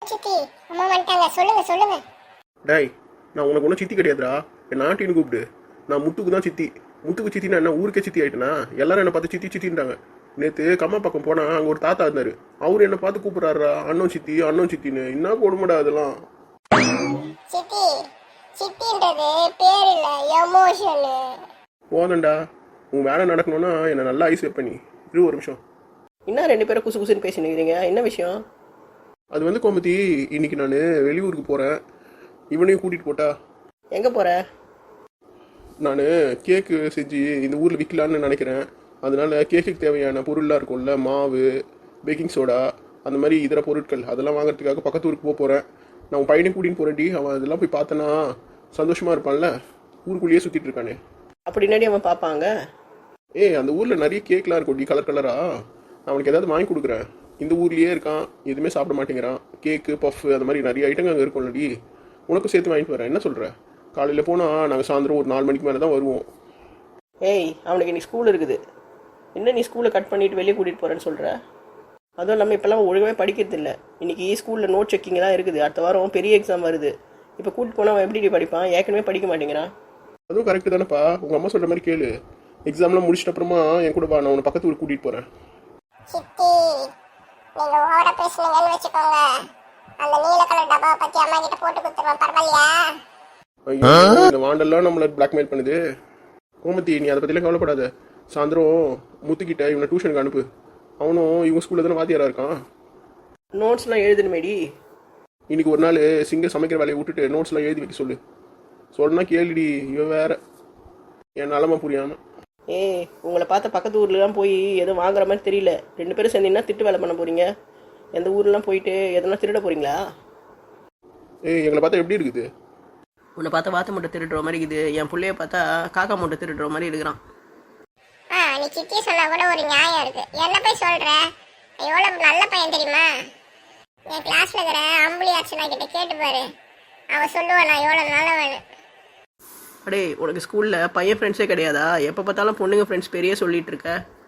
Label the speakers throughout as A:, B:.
A: சித்தி அம்மா வந்துட்டாங்க. சொல்லுங்க சொல்லுங்க.
B: டேய், நான் உனக்கு ஒன்றும் சித்தி கிடையாதுடா. என் ஆண்டின்னு கூப்பிடு. நான் முத்துக்கு தான் சித்தி. முத்துக்கு சித்தினா என்ன, ஊருக்கே சித்தி ஆயிட்டேனா? எல்லாரும் என்னை பார்த்து சித்தி சித்தின்றாங்க. நேற்று கம்மா பக்கம் போனால் அங்கே ஒரு தாத்தா இருந்தார். அவர் என்னை பார்த்து கூப்பிட்றாரா அண்ணன் சித்தி அண்ணன் சித்தின்னு. என்ன கொடுமைடா அதெல்லாம்.
A: சித்தி சித்தின்றது பேர் இல்ல, எமோஷன்.
B: போதண்டா, உன் வேலை நடக்கணும்னா என்னை நல்லா ஐஸ் வைப்ப நீ. இரு ஒரு நிமிஷம்.
C: இன்னும் ரெண்டு பேரும் குசு குசுன்னு பேசினுக்கிறீங்க, என்ன விஷயம்?
B: அது வந்து கோமதி, இன்னைக்கு நான் வெளியூருக்கு போகிறேன். இவனையும் கூட்டிகிட்டு போட்டா.
C: எங்கே போகிற?
B: நான் கேக்கு செஞ்சு இந்த ஊரில் விற்கலான்னு நினைக்கிறேன். அதனால கேக்குக்கு தேவையான பொருள்லாம் இருக்கும்ல, மாவு, பேக்கிங் சோடா, அந்த மாதிரி இதர பொருட்கள் அதெல்லாம் வாங்குறதுக்காக பக்கத்து ஊருக்கு போகிறேன். நான் உன் பையனையும் கூட்டின்னு போகிறேன்டி. அவன் அதெல்லாம் போய் பார்த்தனா சந்தோஷமாக இருப்பான்ல. ஊருக்குள்ளேயே சுற்றிட்டு இருக்கானே.
C: அப்படின்னாடி அவன் பார்ப்பாங்க.
B: அந்த ஊரில் நிறைய கேக்லாம் இருக்கும்டி, கலர் கலராக. அவனுக்கு ஏதாவது வாங்கி கொடுக்குறேன். இந்த ஊர்லேயே இருக்கான், எதுவுமே சாப்பிட மாட்டேங்கிறான். கேக்கு, பஃப், அந்த மாதிரி நிறைய ஐட்டங்கள் அங்கே இருக்கும்லடி. உனக்கும் சேர்த்து வாங்கிட்டு வரேன், என்ன சொல்கிற? காலையில் போனால் நாங்கள் சாயந்தரம் ஒரு 4 மணிக்கு மேலே தான் வருவோம்.
C: அவனுக்கு இன்னைக்கு ஸ்கூல் இருக்குது. என்ன நீ ஸ்கூலை கட் பண்ணிவிட்டு வெளியே கூட்டிகிட்டு போகிறேன்னு சொல்கிற? அதுவும் இல்லாமல் இப்போல்லாம் ஒழுங்காகவே படிக்கிறது இல்லை. இன்றைக்கி ஸ்கூலில் நோட் செக்கிங் தான் இருக்குது. அடுத்த வாரம் பெரிய எக்ஸாம் வருது. இப்போ கூட்டிட்டு போனால் அவன் எப்படி படிப்பான்? ஏற்கனவே படிக்க மாட்டேங்கிறான்.
B: அதுவும் கரெக்டு தானேப்பா. உங்கள் அம்மா சொல்கிற மாதிரி கேளு. எக்ஸாம்லாம் முடிச்சிட்ட அப்புறமா என் கூட வா, நான் உன்னை பக்கத்து ஊருக்கு கூட்டிகிட்டு போகிறேன்.
A: சித்தி நீங்க ஓவரா பேசுனீங்கன்னு வச்சுக்கோங்க, அந்த நீல கலர் டப்பாவை பத்தி அம்மா கிட்ட போட்டு கொடுத்துருவேன். பரவாயில்லையா?
B: ஐயோ, இந்த வாண்டெல்லாம் நம்மளை பிளாக்மெயில் பண்ணுது. கோமதி, நீ அதை பற்றிலாம் கவலைப்படாத. சாயந்தரம் முத்துக்கிட்ட இவனை டியூஷனுக்கு அனுப்பு. அவனும் இவங்க ஸ்கூலில் தானே வாத்தியாராக இருக்கான்.
C: நோட்ஸ்லாம் எழுதணுமேடி.
B: இன்னைக்கு ஒரு நாள் சிங்க சமைக்கிற வேலையை விட்டுட்டு நோட்ஸ்லாம் எழுதி வைக்க சொல்லு. சொன்னா கேளுடி, இவன் வேற என் நிலமை புரியாமல்.
C: உங்களை பார்த்த பக்கத்து ஊர்லாம் போய் எதுவும் வாங்குற மாதிரி தெரியல. 2 பேரும் சேர்ந்தீங்கன்னா திட்டு வேலை பண்ண போகிறீங்க. எந்த ஊர்லாம் போயிட்டு எதனா திருட போகிறீங்களா?
B: எங்களை பார்த்தா எப்படி இருக்குது?
C: உன்னை பார்த்தா வாத்து மூட்டை திருடுற மாதிரி இருக்குது. என் பிள்ளைய பார்த்தா காக்கா மூட்டை திருடுற மாதிரி இருக்கிறான்.
A: நீ சித்தி சொன்னா கூட ஒரு நியாயம் இருக்கு. என்ன போய் சொல்ற? எவ்வளவு நல்ல பையன் தெரியுமா? என் கிளாஸ்ல இருக்கிற அம்புலி அர்ச்சனா கிட்ட கேட்டு பாரு, அவ சொல்லுவா நான் எவ்வளவு நல்லவன்.
C: அடே, உனக்கு ஸ்கூலில் பையன் ஃப்ரெண்ட்ஸே கிடையாதா? எப்போ பார்த்தாலும் பொண்ணுங்க ஃப்ரெண்ட்ஸ் பெரிய சொல்லிட்டு இருக்க.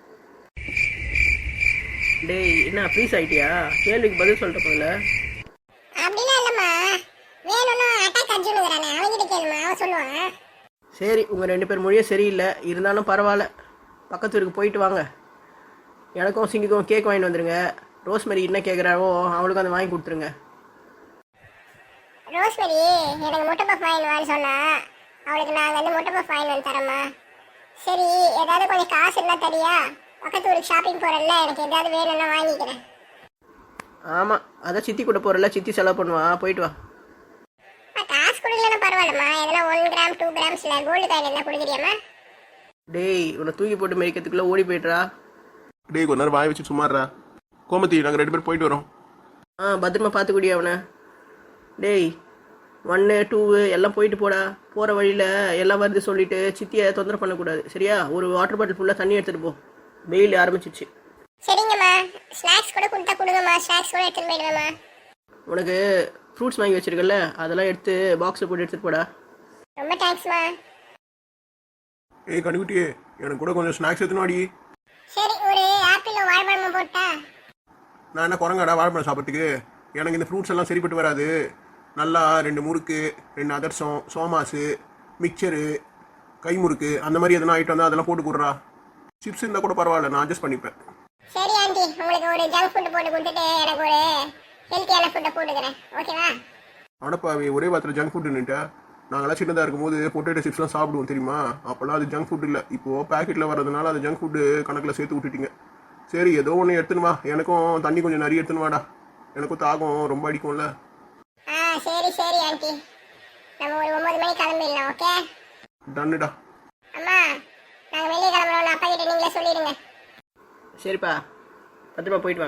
C: டேய், என்ன ஃப்ரீஸ் ஆகிட்டியா? கேள்விக்கு பதில் சொல்லிட்ட போல.
A: அப்படிலாம் இல்லம்மா, வேணும்னா அட்டாக் அர்ஜுனுங்கிறானே அவன்கிட்ட கேளுமா, அவன் சொல்லுவான்.
C: சரி, உங்கள் 2 பேர் மொழியே சரியில்லை. இருந்தாலும் பரவாயில்ல, பக்கத்து ஊருக்கு போயிட்டு வாங்க. எனக்கும் சிங்கிக்கும் கேக் வாங்கிட்டு வந்துடுங்க. ரோஸ்மெரி என்ன கேட்குறாவோ அவளுக்கும் அதை வாங்கி கொடுத்துருங்க.
A: ரோஸ்மெரி எனக்கு முட்டை பஃப் வாங்கிடுவான்னு சொன்னா, அவளுக்கு நாங்கள் வந்து முட்டை பஃப் வாங்கி வந்து தரோம்மா. சரி, ஏதாவது கொஞ்சம் காசு இருந்தால் தரியா? பக்கத்து ஊருக்கு ஷாப்பிங் போகிறல்ல, எனக்கு ஏதாவது வேணும்னா வாங்கிக்கிறேன்.
C: ஆமாம், அதான் சித்தி கூட போகிறல, சித்தி செலவு பண்ணுவா. போயிட்டு வா.
A: காசு கொடுக்கலன்னா பரவாயில்லம்மா, எதனா 1 கிராம் 2 கிராம்ஸ்ல கோல்டு காயின் இருந்தால் கொடுக்குறியாம்மா?
C: டேய், உன்னை தூக்கி போட்டு மேய்க்கிறதுக்குள்ளே ஓடி போய்ட்றா.
B: டேய், கொஞ்ச நேரம் வாய் வச்சு சும்மாறா. கோமதி, நாங்கள் 2 பேர் போயிட்டு வரோம்.
C: பத்திரமா பார்த்துக்கூடிய அவனை. டேய், 1 2 எல்லாம் போயிட்டு போடா. போகிற வழியில் எல்லாம் வருது சொல்லிட்டு சித்தியை தொந்தரவு பண்ணக்கூடாது, சரியா? ஒரு வாட்டர் பாட்டில் ஃபுல்லாக தண்ணி எடுத்துகிட்டு போ. வெயில் ஆரம்பிச்சிச்சு.
A: சரிங்கம்மா, ஸ்நாக்ஸ் கூட கொடுத்தா கொடுங்கம்மா, ஸ்நாக்ஸ் கூட எடுத்துன்னு போயிடுவேம்மா.
C: உனக்கு ஃப்ரூட்ஸ் வாங்கி வச்சிருக்கல, அதெல்லாம் எடுத்து பாக்ஸில் போட்டு எடுத்துகிட்டு போடா.
A: ரொம்ப தேங்க்ஸ்மா.
B: கண்டுக்குட்டியே, எனக்கு கூட கொஞ்சம் ஸ்நாக்ஸ் எடுத்துனாடி.
A: சரி, ஒரு ஆப்பிள் வாழைப்பழமும் போட்டா.
B: நான் என்ன குரங்காடா வாழைப்பழம் சாப்பிட்றதுக்கு? எனக்கு இந்த ஃப்ரூட்ஸ் எல்லாம் சரிப்பட்டு வராது. நல்லா 2 முறுக்கு, 2 அதிரசம், சோமாஸு, மிக்சரு, கை முறுக்கு, அந்த மாதிரி எதனா ஐட்டம் தான் அதெல்லாம் போட்டு கொடுறா. சிப்ஸ் இருந்தால் கூட பரவாயில்ல, நான் அட்ஜஸ்ட் பண்ணிப்பேன்.
A: சரி ஆண்டி, உங்களுக்கு ஒரு ஜங்க் ஃபுட் போட்டு கொடுத்துட்டு எனக்கு ஒரு ஹெல்த்தியான ஃபுட்டை போட்டுக்கிறேன், ஓகேவா?
B: அடப்பாவே, ஒரே வாரத்தில் ஜங்க் ஃபுட்டுன்னுட்டா. நாங்களாம் சின்னதாக இருக்கும்போது பொட்டேட்டோ சிப்ஸ்லாம் சாப்பிடுவோம் தெரியுமா? அப்போல்லாம் அது ஜங்க் ஃபுட் இல்லை. இப்போது பேக்கெட்டில் வர்றதுனால அது ஜங்க் ஃபுட்டு கணக்கில் சேர்த்து விட்டுட்டீங்க. சரி, ஏதோ ஒன்று எடுத்துன்னு வா. எனக்கும் தண்ணி கொஞ்சம் நிறைய எடுத்துன்னு வாடா. எனக்கும் தாகம் ரொம்ப அடிக்கும்ல.
A: சரி சரி ஆண்டி, நம்ம ஒரு 9 மணிக்கு கிளம்பிடலாம், ஓகே?
B: டன்னுடா.
A: அம்மா, நாங்கள் வெளியே கிளம்புறோம், அப்பா கிட்ட நீங்களே சொல்லிடுங்க.
C: சரிப்பா, பத்திரமா போயிட்டு வாங்க.